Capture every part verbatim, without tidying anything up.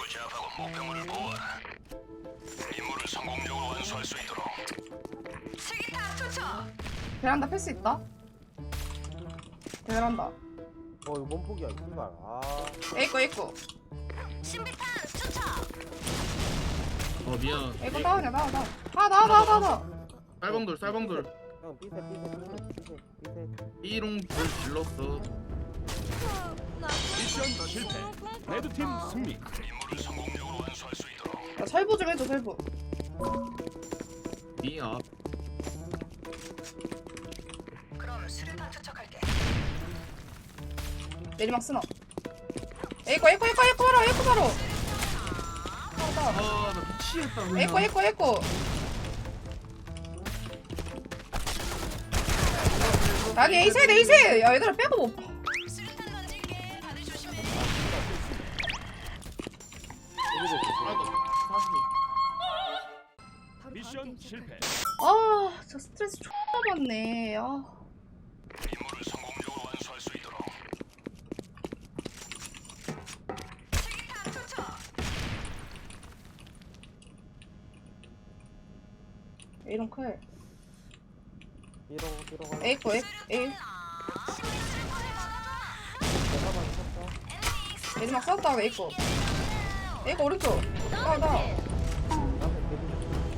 적을 제압하고 목표물을 보호하라. 임무를 성공적으로 완수할 수 있도록. 수기탄 투척. 베란다 패스 있다. 베란다. 어 이거 몸폭이야 씨발. 아 에이코 에이코. 신비탄 투척. 어 미안. 에이코 다운이야 다운 다운. 아 나와 나와 나와 나와. 쌀방돌 쌀방돌. 형 삐세 삐세 삐세 삐세 삐세. 삐롱불 질렀어. 미션 실패. 레드팀 승리. 임무를 성공적으로 완수할 수 있도록. 야 설부 좀 해줘 설부. 니 앞. 그럼 수류탄 투척할게. 내리막 쓰나. 에이코 에이코 에이코 에이코 바로 에이코 바로. 나와 나와. 아나 미치겠다 그냥. 에이코 에이코 에이코. 아니 에이셋 에이셋. 야 얘들아 빼고 못 봐. 수류탄 던질게. 다들 조심해. 미션 실패. 아 진짜 스트레스 존나 받네. 아. 임무를 성공적으로 완수할 수 있도록. 수기탄 투척. 이런 클. 삐롱 삐롱 하나. 에이코 에이 에이. 내가만 쳤어. 내리막 썼다 에이코. 에이코 오른쪽. 나 나. 나한테 데뷔.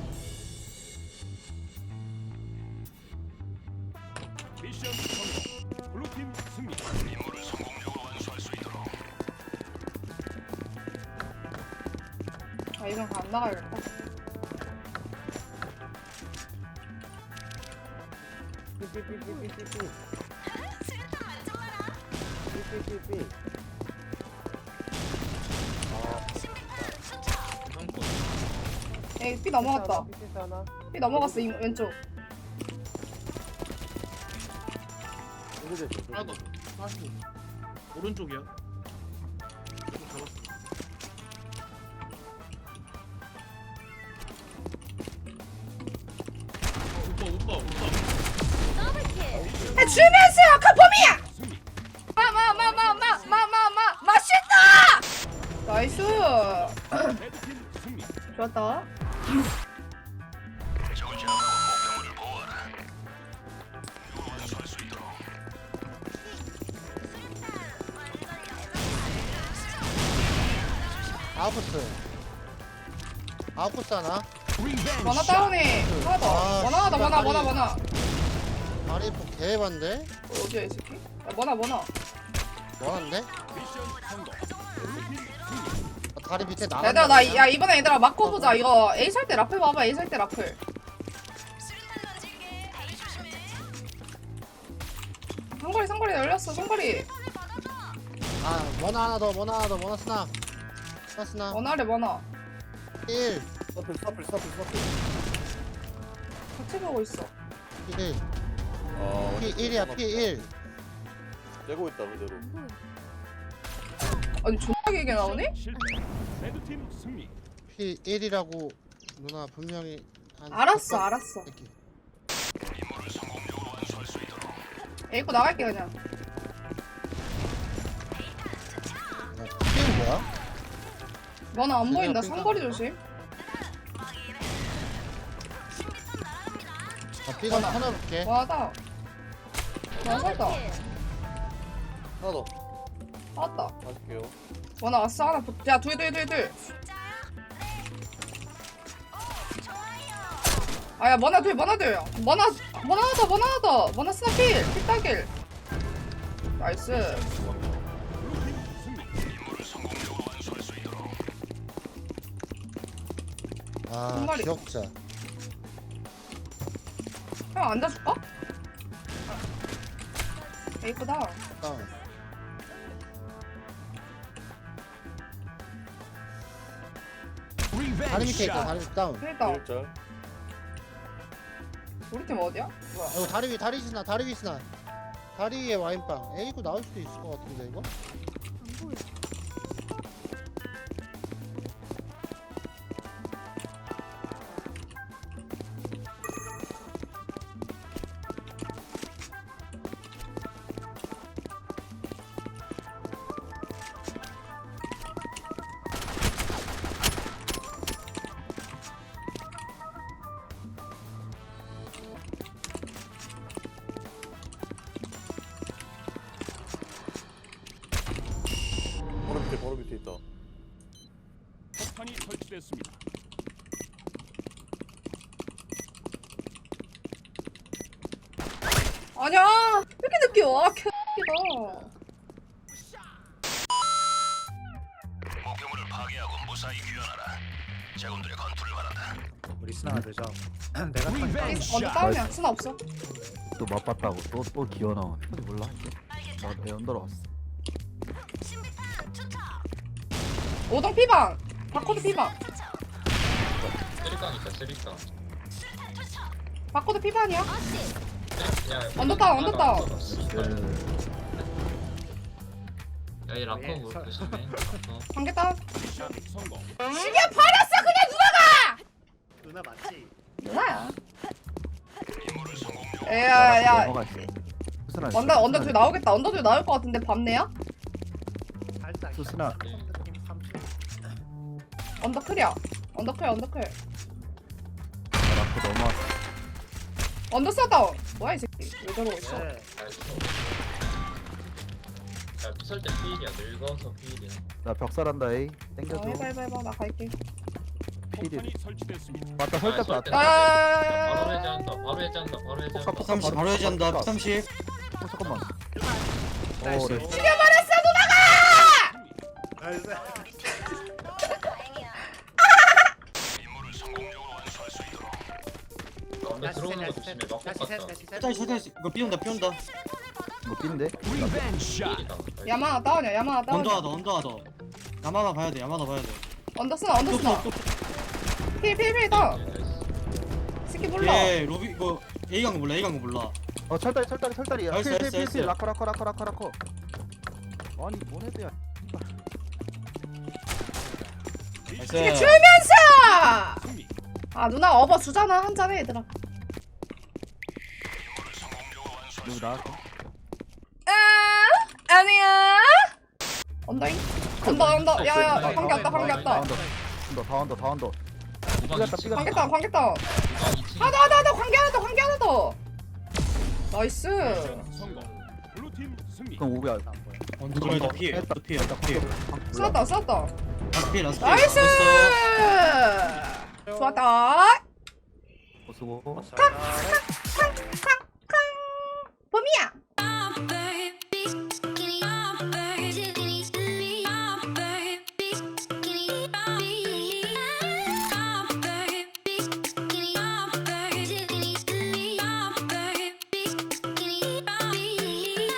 미션 성공. 블루팀 승리. 임무를 성공적으로 완수할 수 있도록. 아 이건 안 나가야겠다. 삐삐삐삐삐삐. 수류탄 만점 마라. 삐삐삐삐. 신비탄 투척. 에이 삐 넘어갔다. 삐삐 하나. 삐 넘어갔어 이 왼쪽. 이거 됐어. 하나 더. 사십. 오른쪽이야. 이거 잡았어. 오빠 오빠 오빠. 아 주면서 카포미야. 승리. 마마마마마마마마 맛있다. 나이스. 레드팀 승리. 좋았다. 적을 제압하고 목표물을 보호하라. 임무를 완수할 수 있도록. 아웃코스 아웃코스 하나 원화 다운해. 하나 더. 아, 원화 하나 더. 원화 원화 다리. 원화. 다리 폭 개반데? 어디야 이 새끼? 야, 원화 원화. 뭐하는데? 미션 성공. 블루팀 승리. 아, 다리 밑에 나가 얘들아 나 야 이번에 얘들아 마커 보자. 이거 A 살 때 라플 봐봐. A 살 때 라플. 수류탄 던질게. 다들 조심해. 상거리 상거리 열렸어. 상거리. 아 원하 하나 더 원하 하나 더 원하 스나 스나 스나 원화래 원화. 일 서플 서플 서플 서플. 같이 보고 있어. 일 어. P 일이야 P 일 떼고 있다 그대로. 아니 존나 길게 나오네? 실패. 레드팀 승리. P 일이라고 누나 분명히 한 알았어 몇 번- 알았어. 이렇게. 임무를 성공적으로 완수할 수 있도록. 에이코 나갈게 그냥. 아, P 일 뭐야? 원화 안 보인다. 그냥 상거리 조심. 아 B가 원하. 하나 볼게 원하다. 원화 살다. 하나 더. 나왔다. 맞을게요. 원화 왔어 하나. 붙- 야 둘 둘 둘 둘. 아야 원화 둘 원화 둘. 원화 원화 하나 더 원화 하나 더. 원화 스나필. 필따길. 나이스. 블루팀 승리. 임무를 성공적으로 완수할 수 있도록. 아 정말이. 기억자 형 앉아줄까? 에이코다. 다운 다리 밑에 있다 다리 밑에 다운 그러니까 일절. 우리 팀 어디야? 뭐야? 어, 이거 다리 위 다리 스나 다리 위 스나 다리 위에 와인빵 에이구 나올 수도 있을 것 같은데 이거? 폭탄이 설치됐습니다. 아니야. 왜 이렇게 늦게 와? 개X다. 목표물을 파괴하고 무사히 귀환하라. 제군들의 건투를 바란다. 우리 스나가 되죠. 내가 턴 리벤지 언더 샷. 다운이야. 스나 없어. 또 맛봤다고 또 또 기어 나와. 몰라 이제. 나내 언더로 왔어. 신비탄 투척. 오동 피방. 바코드 피방. 쓰리깡 있다 쓰리깡. 수류탄 투척. 바코드 피방이야. 어시. 야, 언더 다운, 언더 다운. 야이 라커 예, 뭐 설- 조심해. 라커. 관계 다운. 미션 성공. 시계 버렸어 그냥 누나가. 누나 맞지? 누나야. 임무를 성공적으로 야야. 넘어가 있어. 수스나. 언더 언더 둘 나오겠다. 언더 둘 나올 것 같은데 밤내야? 살짝 수스나. 느낌 삼십. 언더 클이야. 언더 클 언더 클. 라프 넘어왔어. 언더 써 다운. 뭐야 이 새끼. 왜 저러고 있어? 네. 야 피설 때 피일이야. 늙어서 피일이야. 나 벽살한다 에이. 어, 땡겨줘. 해봐 해봐 해봐. 나 갈게. 필이. 폭탄이 설치됐습니다. 맞다 설득 아, 났다. 바로 야야야야야야. 해제한다. 바로 해제한다. 바로 해제한다. 폭 삼십 바로 해제한다. 삼십. 어, 잠깐만. 나이스. 어, 네. 죽여버렸어 누나가. 나이스. 다행이야. 임무를 성공적으로 완수할 수 있도록. 언더 다시 들어오는 거 셋, 조심해. 다시 막고 셋, 갔다. 다시 셋. 다시 다시 이거 삐온다 삐온다. 뭐 뛴데? 리벤지 샷. 피일이다. 야마나 다운이야. 야마나 언더 다운이야. 하다 언더 하다. 야마나 봐야 돼. 야마나 봐야 돼. 언더 쓰나 언더 쓰나. 필필필 다운. 새끼 몰라. 얘 로비 이거 A 간거 몰라. A 간거 몰라. 어 철다리 철다리 철다리야. 나이스, 나이스, 필필필필 나이스. 라커 라커 라커 라커 라커. 아니 뭔 헤드야. 나이스. 이게 주면서. 승리. 아 누나 업어 주잖아 한 잔해 얘들아. 임무를 성공적으로 완수할 누구 수 나왔어? 아 아니야. 언더잉. 언더 언더. 야야 어, 관계 왔다 관계 다 왔다. 언더. 언더 다 언더 다 언더. 우방 삐갔다, 이 층. 삐갔다. 관계 다운 관계 다운. 우방 이 층. 하나 하나 하나 관계 하나 더 관계 하나 더. 나이스. 미션 성공. 블루팀 승리. 그럼 오비야. 언더 들어다 피해. 했다. 또 피해. 또 피해. 쐈다 쐈다. 라스트 피해. 라스트 피해. 나이스. 됐어. 좋았다. 어, 수고. 자,